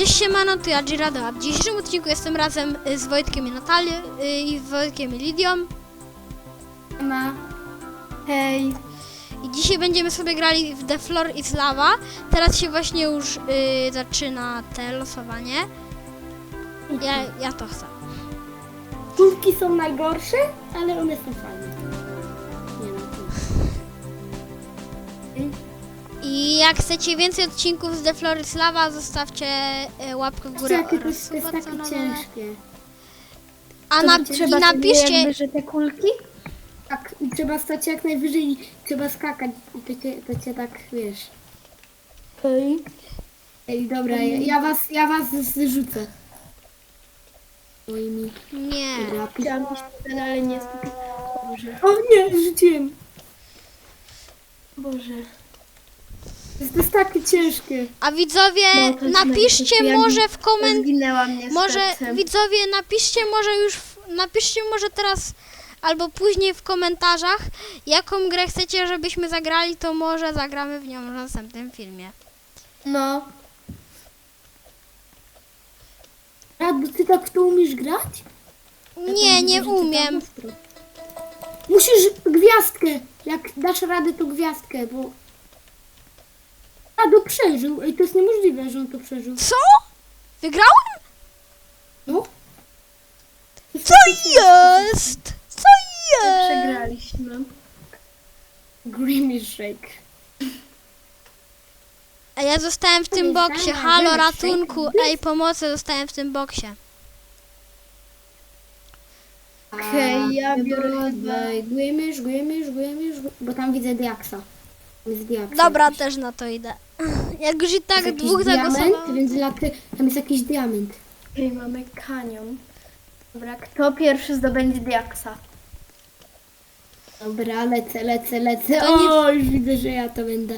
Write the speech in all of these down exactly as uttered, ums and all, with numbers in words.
Cześć, siemano, to ja Girado. W dzisiejszym odcinku jestem razem y, z Wojtkiem i Natalią y, i z Wojtkiem i Lidią. Ma. Hej. I dzisiaj będziemy sobie grali w The Floor is Lava. Teraz się właśnie już y, zaczyna te losowanie. Ja, ja to chcę. Kulki są najgorsze, ale one są fajne. Nie no, to... I jak chcecie więcej odcinków z The Floor is Lava, zostawcie y, łapkę w górę Jakie to oraz jest, to jest suba takie kanale. ciężkie. A na, i napiszcie... Jakby, że te kulki? Tak, i trzeba stać jak najwyżej i trzeba skakać. I to cię, to cię tak, wiesz. Hej. Ej, dobra, ja, ja was, ja was zrzucę. Moimi Nie. rapi. Chciałam iść ten, ale nie jest. Boże. O nie, rzuciłem. Boże. To jest, to jest takie ciężkie. A widzowie, No, to jest napiszcie najgorsze. Ja może w komentarzu... Zginęłam niestety. Może widzowie napiszcie może już, w- napiszcie może teraz albo później w komentarzach, jaką grę chcecie, żebyśmy zagrali, to może zagramy w nią w następnym filmie. No. Radu, ty tak w to umiesz grać? Nie, nie Widzę, że ty umiem. tam ostro. Musisz gwiazdkę. Jak dasz radę, to gwiazdkę, bo... Radu przeżył. Ej, to jest niemożliwe, że on to przeżył. Co? Wygrałem? No. Co jest? Co jest? Przegraliśmy. Grimace Shake. A ja zostałem w tym jest boksie. fajna, Halo, wiesz, ratunku. fake Ej, pomocy, zostałem w tym boksie. Okej, ja biorę chyba- Grimace, Grimace, Grimace, bo tam widzę Diaksa. Tam jest Diaksa. Dobra, jakiś. też na to idę. Jak już i tak Jest jakiś dwóch diament, zagłosowało. więc laty, tam jest jakiś diament. Okej, mamy kanion. Dobra, kto pierwszy zdobędzie diaksa? Dobra, lecę, lecę, lecę. To nie- O, już widzę, że ja to będę.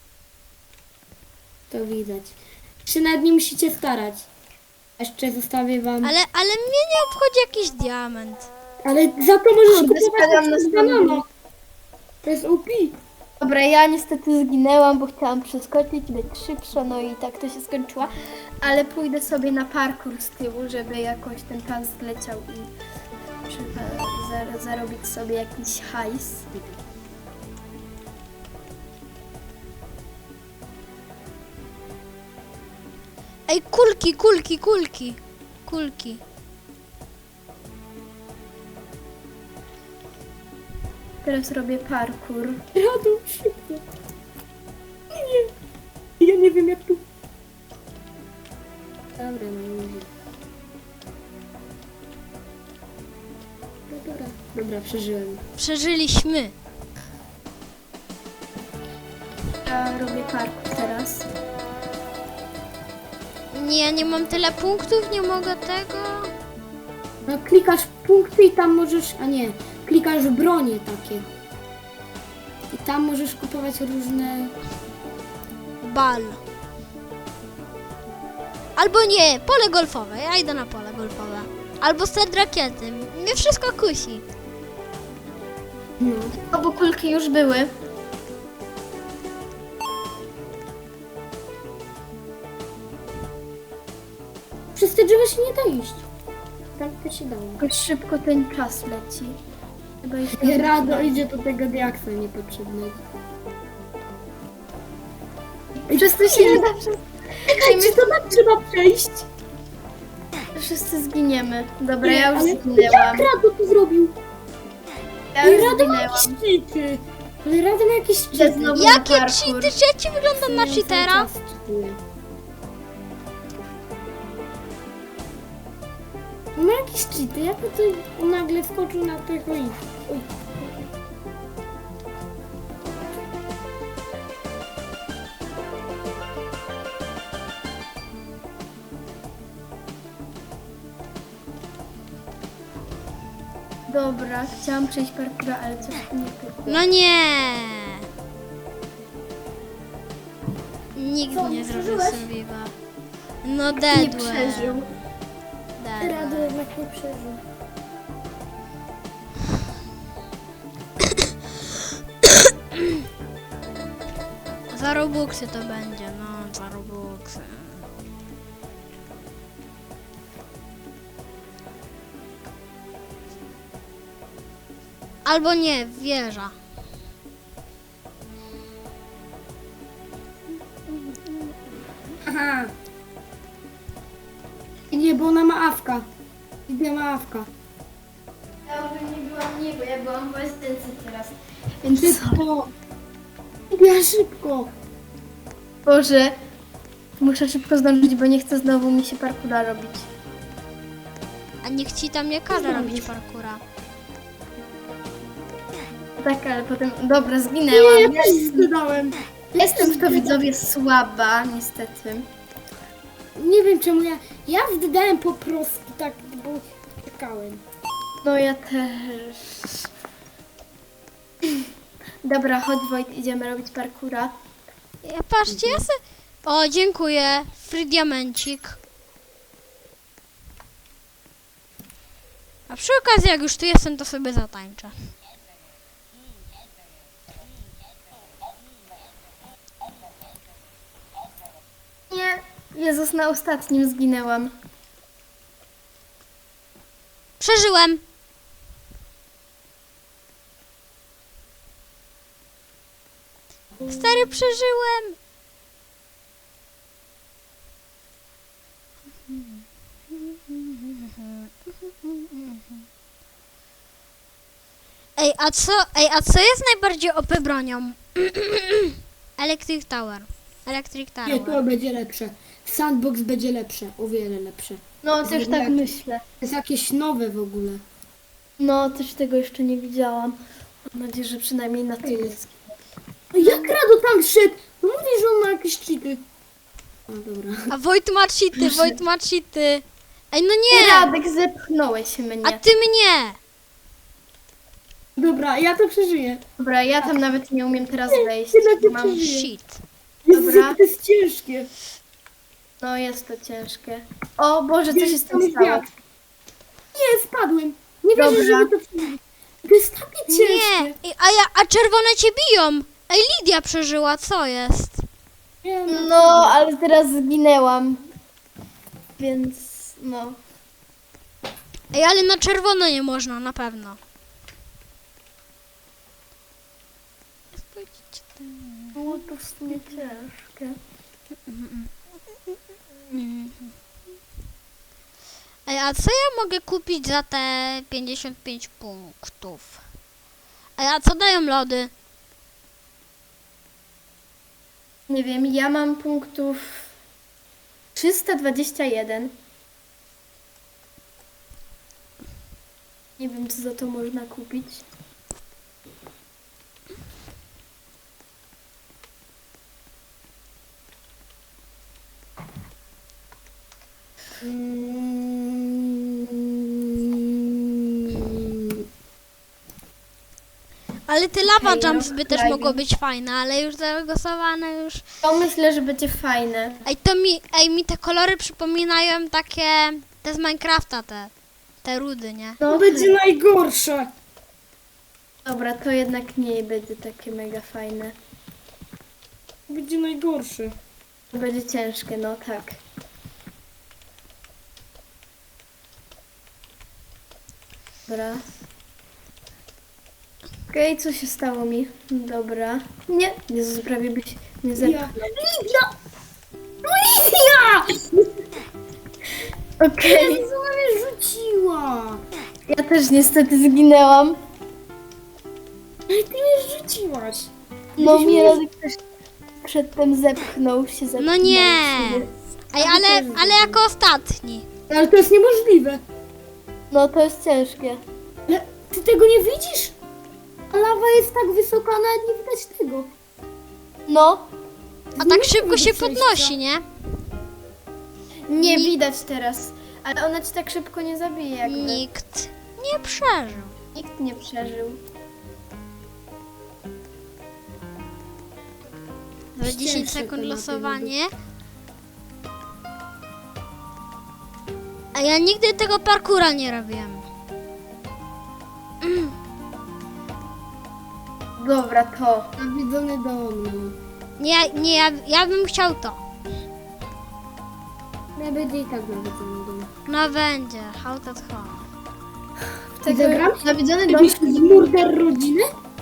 To widać. Czy nad nim musicie starać. Jeszcze zostawię wam. Ale, ale mnie nie obchodzi jakiś diament. Ale za to możesz Kurde, kupować spadam na na stronę. banana. To jest O P. Dobra, ja niestety zginęłam, bo chciałam przeskoczyć, być szybsza, no i tak to się skończyło. Ale pójdę sobie na parkour z tyłu, żeby jakoś ten czas zleciał i przy- za- zarobić sobie jakiś hajs. Ej, kulki, kulki, kulki. Kulki. Teraz robię parkour. Radu, szybko. Nie. Ja nie wiem jak tu. Dobra, no nie wiem. No dobra. Dobra, przeżyłem. Przeżyliśmy. Ja robię parkour teraz. Nie, ja nie mam tyle punktów, nie mogę tego. No klikasz punkty i tam możesz, a nie, klikasz bronie takie. I tam możesz kupować różne... Bal. Albo nie, pole golfowe. Ja idę na pole golfowe. Albo set rakiety. Mnie wszystko kusi. No. Obu kulki już były. Przez te drzewa się nie da iść. Tak to się dało. Jakoś szybko ten czas leci. Chyba jeszcze... Rado idzie do tego diaksa niepotrzebnego. Wszyscy się nie da przez... Ej, czy to tak trzeba przejść? Wszyscy zginiemy. Dobra, Nie, ja już ale zginęłam. jak Rado to zrobił? Ja Ej, już Rado ma zginęłam. jakieś cheaty. Ale Rado ma jakieś Ja cheaty. znowu- Jakie parkour. cheaty? Czy ja ci wyglądam na Ja cały cheatera? czas cheatuję. Ma jakieś cheaty, jak to tu nagle wskoczył na tego i... Oj. Dobra, chciałam przejść parkour, ale coś tu nie pykło. No nie. Nikt Co, nie nie zrobił przeżyłeś? surviva. No Nie deadłem. przeżył. Deadłem. Rado jednak nie przeżył. Za Robuxy to będzie, no, za Robuxy. Albo nie, wieża. Aha. Nie, bo ona ma awka. Idę ma awka. Ja może nie byłam nie, bo ja byłam w łazience teraz. Więc Szybko. Ja szybko. Boże, muszę szybko zdążyć, bo nie chcę znowu mi się parkura robić. A niech ci tam nie każe robić parkura. Tak, ale potem... Dobra, zginęłam. Ja też zgadałem. Jestem w to, widzowie, słaba, niestety. Nie wiem czemu ja... Ja wdałem po prostu tak, bo czekałem. No ja też. Dobra, chodź Wojt, idziemy robić parkura. Ja, patrzcie, ja se... O, dziękuję. Free diamencik. A przy okazji, jak już tu jestem, to sobie zatańczę. Nie, Jezus, na ostatnim zginęłam. Przeżyłem. Stary, przeżyłem. Ej, a co, ej, a co jest najbardziej O P bronią? Electric Tower. Electric Nie, to Tower. będzie lepsze. Sandbox będzie lepsze, o wiele lepsze. No, też tak myślę. To jest jakieś nowe w ogóle. No, też tego jeszcze nie widziałam. Mam nadzieję, że przynajmniej na tym jest. No jak Rado tam szedł? No mówi, że on ma jakieś cheaty. No dobra. A Wojt ma cheaty, Wojt ma cheaty. Ej, no nie! Radek, zepchnąłeś A mnie. ty mnie! Dobra, ja to przeżyję. Dobra, ja tam nawet nie umiem teraz wejść. Ty na to Mam... przeżyję. Shit. Jezus, Dobra. jak to jest ciężkie. No, jest to ciężkie. O Boże, co się z Tam tym jest stało? wiatr. Nie, spadłem. Nie wierzę, Dobra. żeby to przeżyć. To jest takie ciężkie. Nie! Ej, a, ja, a czerwone cię biją! Ej, Lidia przeżyła, co jest? Nie, no. No, ale teraz zginęłam. Więc, no. Ej, ale na czerwono nie można, na pewno. Było to w sumie ciężkie. Ej, a co ja mogę kupić za te pięćdziesiąt pięć punktów? Ej, a co dają lody? Nie wiem, ja mam punktów trzysta dwadzieścia jeden. Nie wiem, co za to można kupić. Mm. Ale te lava Okej, jumps by też rock mogło climbing. być fajne, ale już zagłosowane już. To myślę, że będzie fajne. Ej, to mi, ej, mi te kolory przypominają takie, te z Minecrafta, te, te rudy, nie? No, To będzie najgorsze. dobra, to jednak nie będzie takie mega fajne. To będzie najgorsze. To będzie ciężkie, no tak. Dobra. Okej, co się stało mi? Dobra. Nie, Jezus, prawie byś nie Ja. zepchnął. Lidia! No Lidia! Okej, Jezu, ona mnie rzuciła. ja też niestety zginęłam. Ale ty mnie rzuciłaś. No Byś mnie mnie- Radek też przedtem zepchnął się zepchnął. No nie! sobie. Ej, ale, ale jako ostatni. Ale to jest niemożliwe. No to jest ciężkie. Ale ty tego nie widzisz? A lawa jest tak wysoka, nawet nie widać tego. No, A tak Nie szybko mogę się przejść, podnosi, nie? nie widać teraz. Ale ona ci tak szybko nie zabije jakby. Nikt nie przeżył. Nikt nie przeżył. Za dziesięć Cięższe sekund tematy losowanie. A ja nigdy tego parkura nie robiłem. Dobra, to. Nawiedzony do mnie. Nie, nie, ja, ja bym chciał to. Ja będzie i tak nawiedzony do mnie. No będzie, how to home. tego Zagram? nawiedzony dom. Jakiś z murder rodziny?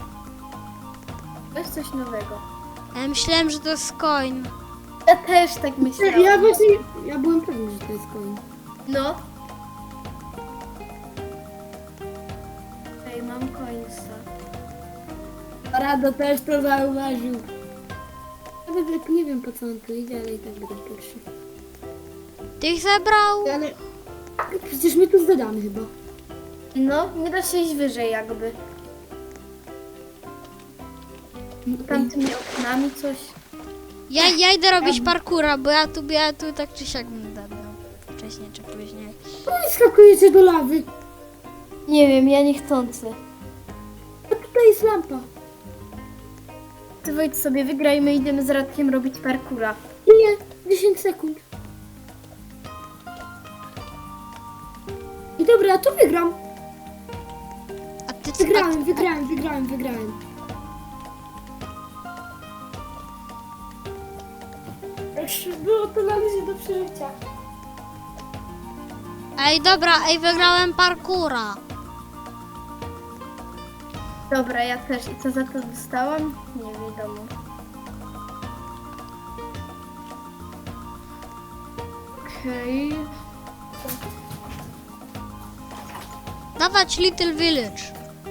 To jest coś nowego. Ja myślałem, że to jest coin. Ja też tak myślałam. Ja właśnie, ja byłem pewny, że to jest coin. No. Ej, mam coinsa. Rado też to zauważył. Nawet nie wiem po co on tu idzie, ale i tak będę pierwszy. Ty ich zebrał? Ale przecież my tu zdadamy chyba. No, nie da się iść wyżej jakby. Tam tymi oknami coś. Ja, ja idę robić parkura, bo ja tu, ja tu tak czy siak będę dał. Wcześniej czy później. No i skakujecie do lawy. Nie wiem, ja niechcący. A tutaj jest lampa. Ty Wojt sobie wygraj, my idziemy z Radkiem robić parkura. Nie, dziesięć sekund. I dobra, to wygram. A ty co? Wygrałem, wygrałem, wygrałem, wygrałem. Już było to na luzie do przeżycia. Ej, dobra, ej, wygrałem parkura. Dobra, ja też. I co za to dostałam? Nie wiadomo. Okej. Dawać Little Village.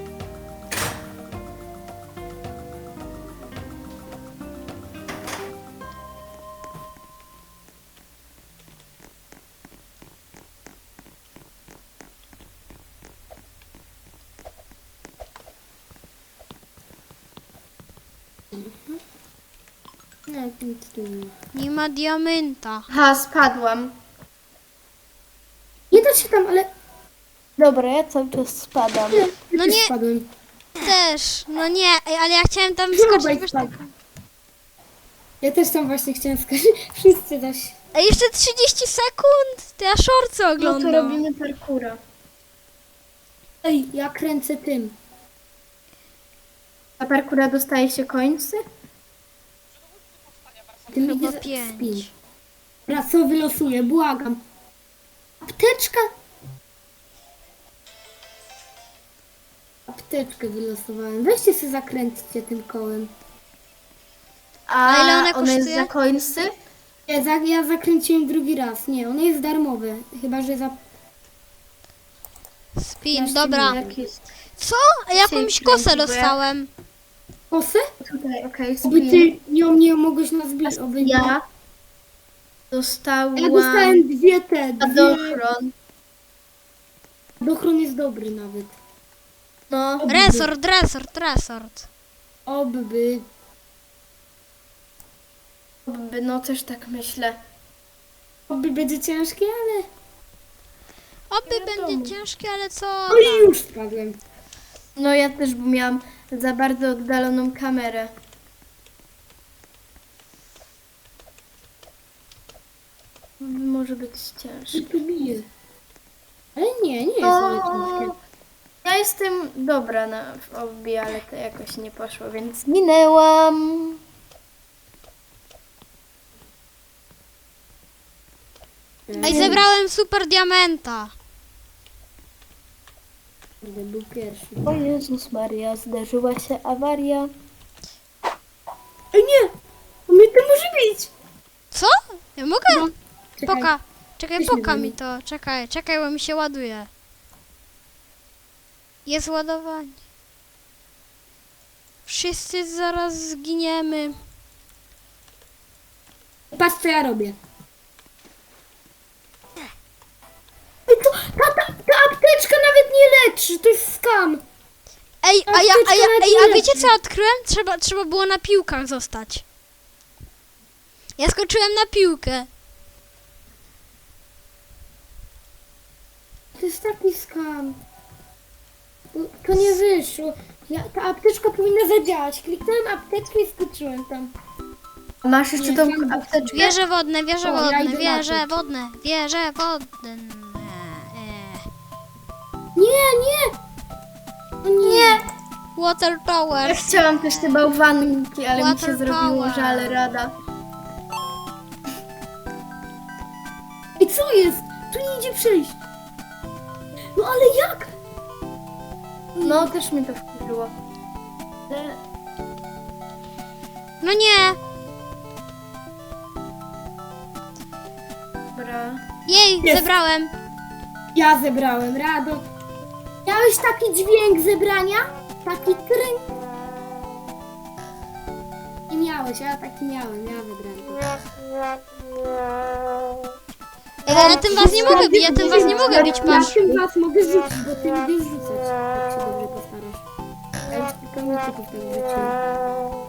Nie, nic tu nie ma. Nie ma diamenta. Ha, spadłam. Nie da się tam, ale... Dobra, ja cały czas spadam. Nie, No też nie. spadłem. Też, no nie, ej, ale ja chciałem tam Chyba skoczyć. i Wiesz, spadł. Ja też tam właśnie chciałem skoczyć. Wszyscy da się. ej, jeszcze trzydzieści sekund. To ja shortsy No to oglądam. robimy parkura. Ej, ja kręcę tym. A parkura dostaje się końcy? Tym Chyba idzie pięć. spin. Raz co wylosuję, błagam. Apteczka. Apteczkę wylosowałem. Weźcie sobie zakręćcie tym kołem. A, A ile one one jest kosztuje? za końcy? Ja, za, ja zakręciłem drugi raz. Nie, one jest darmowe. Chyba, że za... Spin, dobra. Jak jest Co? Ej, jakąś Dzisiaj kosę kręci, bo ja- dostałem. Kosę? tutaj, okej, Oby spin. ty nią nie mogłeś nas zbić. Oby nie. Ja dostałam Ja dostałem dwie te. Dwie... spadochron. Dochron jest dobry nawet. No, Oby. Resort, resort, resort. Oby. no też tak myślę. Oby będzie ciężkie, ale... Oby wiadomo. będzie ciężkie, ale co No i tam? już spadłem. No ja też, bo miałam za bardzo oddaloną kamerę. Może być ciężko. I tu bije. Ale nie, nie jest ale ciężkie. Ja jestem dobra na w obie, ale to jakoś nie poszło, więc minęłam. Ej, zebrałem super diamenta. Kurde, był pierwszy. O Jezus Maria, zdarzyła się awaria. Ej, nie! On mnie to może bić! Co? Ja mogę? No, czekaj. Poka. Czekaj, Weź poka mnie mi to. Czekaj, czekaj, bo mi się ładuje. Jest ładowanie. Wszyscy zaraz zginiemy. Patrz co ja robię. Ej, to, ta, ta, ta apteczka nawet nie leczy, to jest skam. Ej, a ja, a ja, Apteczka na ej, a tyle. wiecie co ja odkryłem? Trzeba, trzeba było na piłkach zostać. Ja skoczyłem na piłkę. To jest taki skam. To, to nie wyszło. Ja, ta apteczka powinna zadziałać. Kliknąłem apteczkę i skoczyłem tam. A masz jeszcze Nie, tą tam- apteczkę? Wieże wodne, wieże O, ja wodne, idę na wieże to. wodne, wieże wodne. E, Nie, nie! O nie! Water Ja Towers. chciałam też te bałwanki, ale mi się Water zrobiło power. żal rada. Ej, co jest? Tu nie idzie przejść. No ale jak? No, też mnie to wkurzyło. Ale... No nie! Dobra. Jej, Jest. zebrałem. Ja zebrałem, Rado. Miałeś taki dźwięk zebrania? Taki tryn. Nie miałeś, a ja taki miałem, ja wybrałem. Ej, ale tym was nie mogę bić, ja tym was nie mogę bić, Ja patrz. tym was mogę rzucić, bo ty lubisz rzucać, jak się dobrze postarasz. Ja już tylko mityków tak wrzuciłem.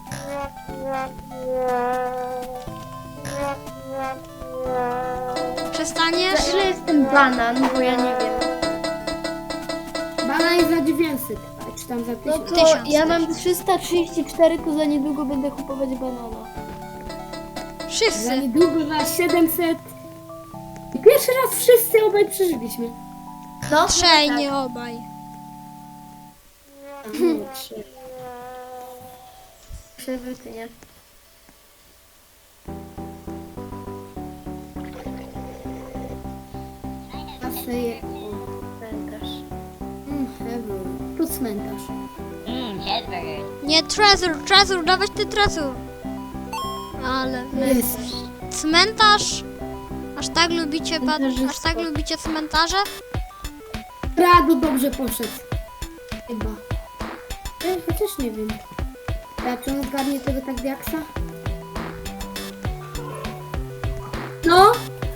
Przestaniesz? Za ile jest ten banan, bo ja nie wiem. Bana jest za dziewięćset, a czy tam za No tysiąc. to Tysiąc, ja mam trzysta trzydzieści cztery, to za niedługo będę kupować banana. Za Wszyscy. niedługo za siedemset. I pierwszy raz wszyscy obaj przeżyliśmy. No, Trzej, tak. nie obaj. No, trzy. Przewyty, nie? A sobie... O, Pamiętasz. mm, heaven. Tu cmentarz. Nie, Trezor, Trezor, dawać ty Trezor. Ale wy... Jest. Cmentarz? Aż tak lubicie, pa... Cmentarzysko. aż tak lubicie cmentarze? Rado dobrze poszedł. Chyba. Ja chociaż nie wiem. Jak on zgarnie tego tak diaksa? No?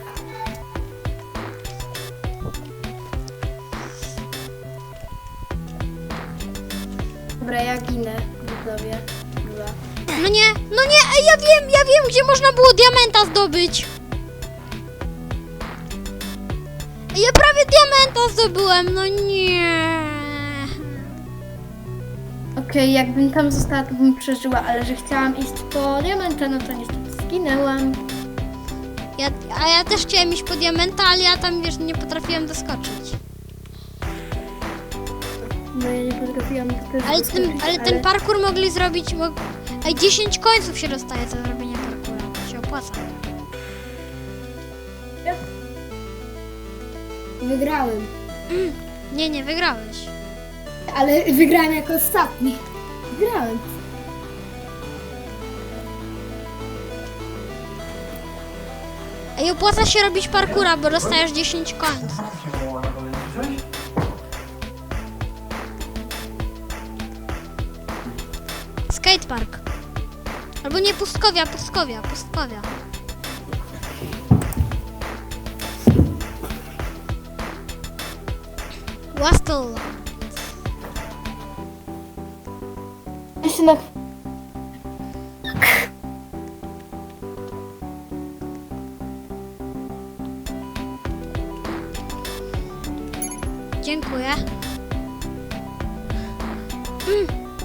Dobra, ja ginę, widzowie. Dwa. No nie, no nie, ej, ja wiem, ja wiem, gdzie można było diamenta zdobyć. Ej, ja prawie diamenta zdobyłem, no nie. Okej, jakbym tam została, to bym przeżyła, ale że chciałam iść po diamenta, no to niestety zginęłam. Ja, a ja też chciałem iść po diamenta, ale ja tam, wiesz, nie potrafiłem doskoczyć. No ja nie potrafiłam do tego Ale ten, doskoczyć, ale ten parkour mogli zrobić, mog... Ej, dziesięć końców się dostaje za zrobienie parkoura, to się opłaca. Wygrałem. Nie, nie, wygrałeś. Ale wygrałem jako ostatni. Wygrałem. Ej, opłaca się robić parkoura, bo dostajesz dziesięć końców. Skatepark. Albo nie, pustkowia, pustkowia, pustkowia. Wastel. Ja się na... Dziękuję. Mm.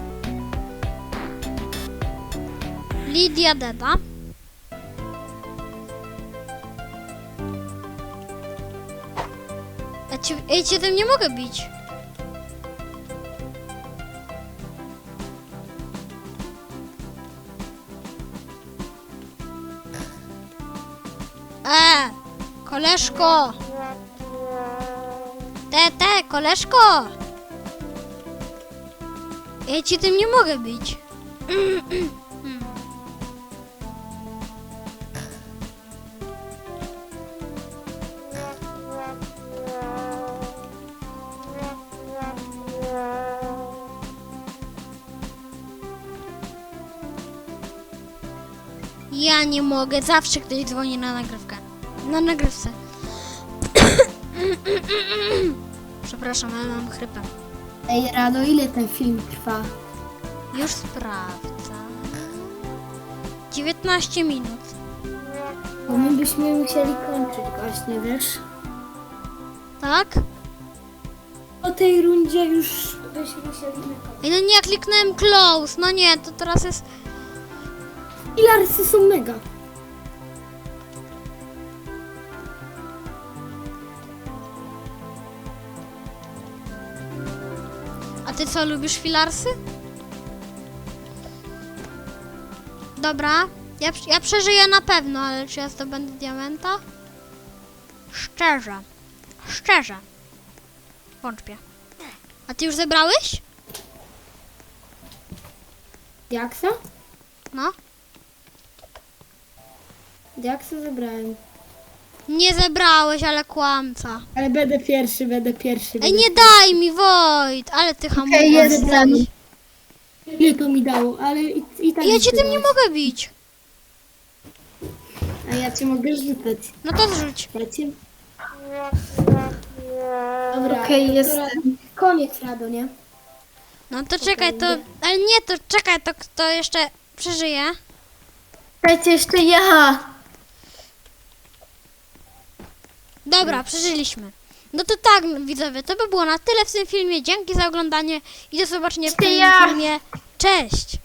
Lidia Deda. Ja cię, ja cię tym nie mogę bić. E, koleżko. Te, te, koleżko. Ja ci tym nie mogę bić. Ja nie mogę, zawsze ktoś dzwoni na nagrywkę. Na nagrywce. Przepraszam, ale mam chrypę. Ej, Rado, ile ten film trwa? Już sprawdzę. dziewiętnaście minut. Bo my byśmy musieli kończyć właśnie, wiesz? Tak? Po tej rundzie już byśmy musieli kończyć. Ej, no nie, kliknąłem close. No nie, to teraz jest... Pilarsy są mega. A ty co, lubisz filarsy? Dobra, ja, ja przeżyję na pewno, ale czy ja zdobędę diamenta? Szczerze, szczerze, wątpię. A ty już zebrałeś? Diaksa? No. Diaksa zebrałem. Nie zebrałeś, ale kłamca. Ale będę pierwszy, będę pierwszy. Ej, będę nie daj mi, Wojt! Ale ty hamujesz. Okej, jestem. Ile to mi dało, ale i, i tak Ja mi cię tym nie dałeś. mogę bić. A ja cię mogę rzucać. No to zrzuć. Ja cię... Dobra, Okej, to jestem. Ra- Koniec, Rado, nie? No to czekaj, to... Ale nie, to czekaj, to kto jeszcze przeżyje? Dajcie jeszcze ja. Dobra, przeżyliśmy. No to tak, widzowie, to by było na tyle w tym filmie. Dzięki za oglądanie i do zobaczenia w Jeszcze kolejnym ja. filmie. Cześć!